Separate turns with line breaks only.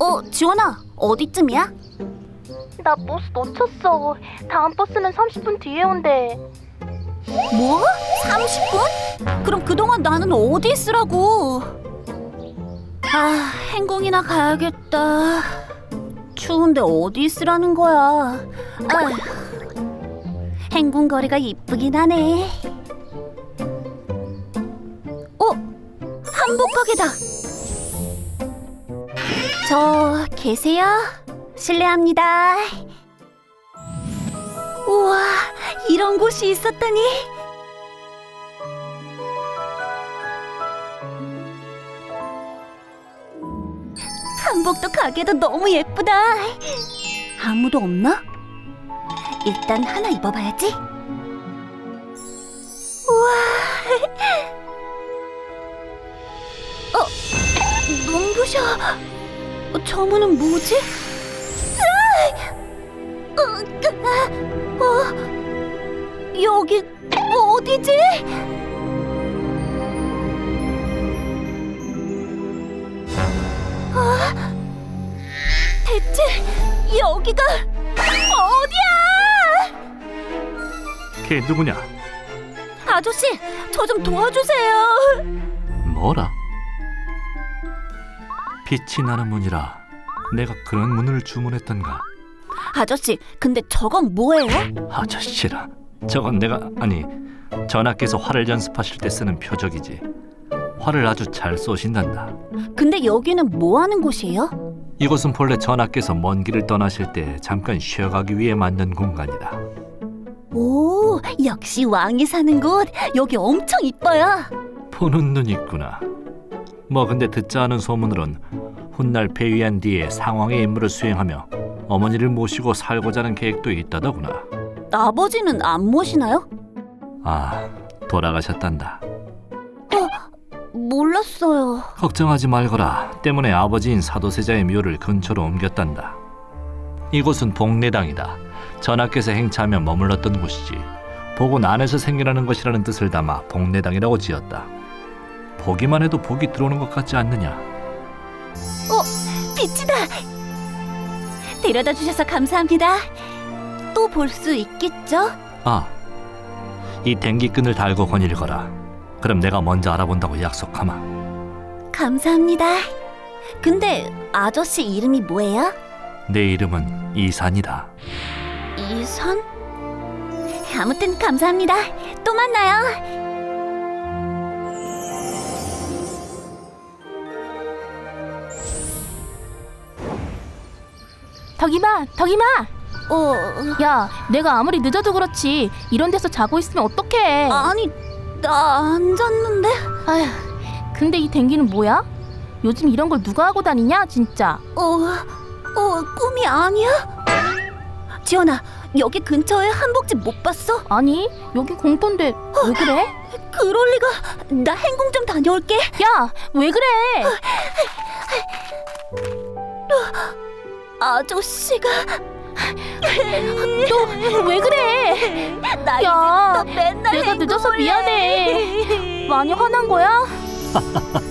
지원아, 어디쯤이야?
나 버스 놓쳤어. 다음 버스는 30분 뒤에 온대.
뭐? 30분? 그럼 그동안 나는 어디 있으라고? 아, 행궁이나 가야겠다. 추운데 어디 있으라는 거야? 행궁 거리가 이쁘긴 하네. 한복 가게다. 저 계세요? 실례합니다. 우와, 이런 곳이 있었다니. 한복도 가게도 너무 예쁘다. 아무도 없나? 일단 하나 입어봐야지. 우와. 눈부셔. 저 문은 뭐지? 여기 어디지? 대체 여기가 어디야?
걔 누구냐?
아저씨, 저 좀 도와주세요.
뭐라? 빛이 나는 문이라 내가 그런 문을 주문했던가?
아저씨, 근데 저건 뭐예요?
아저씨라, 저건 전하께서 활을 연습하실 때 쓰는 표적이지. 활을 아주 잘 쏘신단다.
근데 여기는 뭐 하는 곳이에요?
이곳은 본래 전하께서 먼 길을 떠나실 때 잠깐 쉬어가기 위해 만든 공간이다.
오, 역시 왕이 사는 곳. 여기 엄청 이뻐요.
보는 눈 있구나. 뭐 근데 듣자 하는 소문으론 훗날 폐위한 뒤에 상왕의 임무를 수행하며 어머니를 모시고 살고자 하는 계획도 있다더구나.
아버지는 안 모시나요?
아, 돌아가셨단다.
몰랐어요.
걱정하지 말거라. 때문에 아버지인 사도세자의 묘를 근처로 옮겼단다. 이곳은 복례당이다. 전하께서 행차하며 머물렀던 곳이지. 복은 안에서 생겨나는 것이라는 뜻을 담아 복례당이라고 지었다. 보기만 해도 복이 들어오는 것 같지 않느냐?
빛이다. 데려다 주셔서 감사합니다. 또 볼 수 있겠죠?
아, 이 댕기끈을 달고 거닐거라. 그럼 내가 먼저 알아본다고 약속하마.
감사합니다. 근데 아저씨 이름이 뭐예요?
내 이름은 이산이다.
이선? 아무튼 감사합니다. 또 만나요.
덕이마!
야,
내가 아무리 늦어도 그렇지 이런 데서 자고 있으면 어떡해.
아니, 나 안 잤는데.
아휴, 근데 이 댕기는 뭐야? 요즘 이런 걸 누가 하고 다니냐 진짜.
꿈이 아니야? 지연아, 여기 근처에 한복집 못 봤어?
아니, 여기 공터인데 왜 그래?
그럴 리가. 나 행궁 좀 다녀올게.
야, 왜 그래?
아저씨가
너 왜 그래?
나
야,
이제부터 맨날
내가 늦어서
행궁을
미안해.
해.
많이 화난 거야?